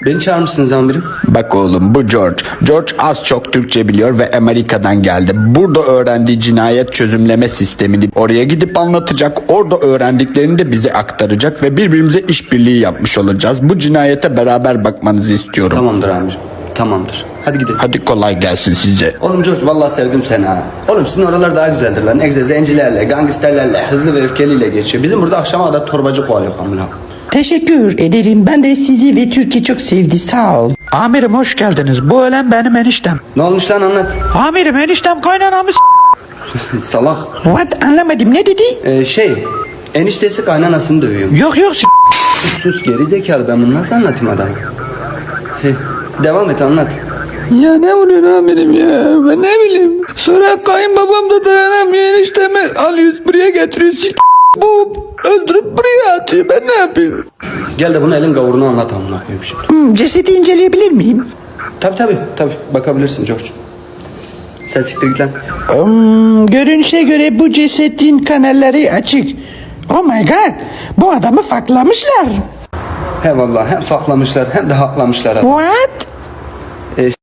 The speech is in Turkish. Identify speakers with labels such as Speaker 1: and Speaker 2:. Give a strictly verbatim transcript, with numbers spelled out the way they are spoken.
Speaker 1: Beni çağırmışsınız amirim.
Speaker 2: Bak oğlum, bu George. George az çok Türkçe biliyor ve Amerika'dan geldi. Burada öğrendiği cinayet çözümleme sistemini oraya gidip anlatacak. Orada öğrendiklerini de bize aktaracak ve birbirimize işbirliği yapmış olacağız. Bu cinayete beraber bakmanızı istiyorum.
Speaker 1: Tamamdır amirim. Tamamdır. Hadi gidelim.
Speaker 2: Hadi kolay gelsin size.
Speaker 1: Oğlum George vallahi sevdim seni ha. Oğlum sizin oralar daha güzeldir lan. Egze zencilerle, gangsterlerle, hızlı ve öfkeliyle geçiyor. Bizim burada akşama kadar torbacı kovalıyor kamına.
Speaker 3: Teşekkür ederim. Ben de sizi ve Türkiye çok sevdi. Sağ ol.
Speaker 4: Amirim hoş geldiniz. Bu ölen benim eniştem.
Speaker 1: Ne olmuş lan anlat.
Speaker 4: Amirim eniştem kaynanamı s-
Speaker 1: Salak.
Speaker 3: What? Anlamadım. Ne dedi?
Speaker 1: Ee, şey, eniştesi kaynanasını dövüyor.
Speaker 4: Yok yok s-
Speaker 1: Sus sus geri zekalı, ben bunu nasıl anlatayım adamı? Hey, devam et anlat.
Speaker 4: Ya ne oluyor amirim ya? Ben ne bileyim. Sonra kayınbabam da dayanamıyor, eniştemi alıyoruz buraya getiriyoruz. S- Bu öldürüp buraya atıyor. Ben ne yapayım?
Speaker 1: Gel de bunu elin gavurunu anlat amına koyayım şimdi.
Speaker 3: Hmm, cesedi inceleyebilir miyim?
Speaker 1: Tabi tabi tabi bakabilirsin George. Sen siktir git lan.
Speaker 3: Hmm, görünüşe göre bu cesedin kanalları açık. Oh my god. Bu adamı faklamışlar.
Speaker 1: He vallahi hem faklamışlar hem de haklamışlar.
Speaker 3: What?
Speaker 1: E,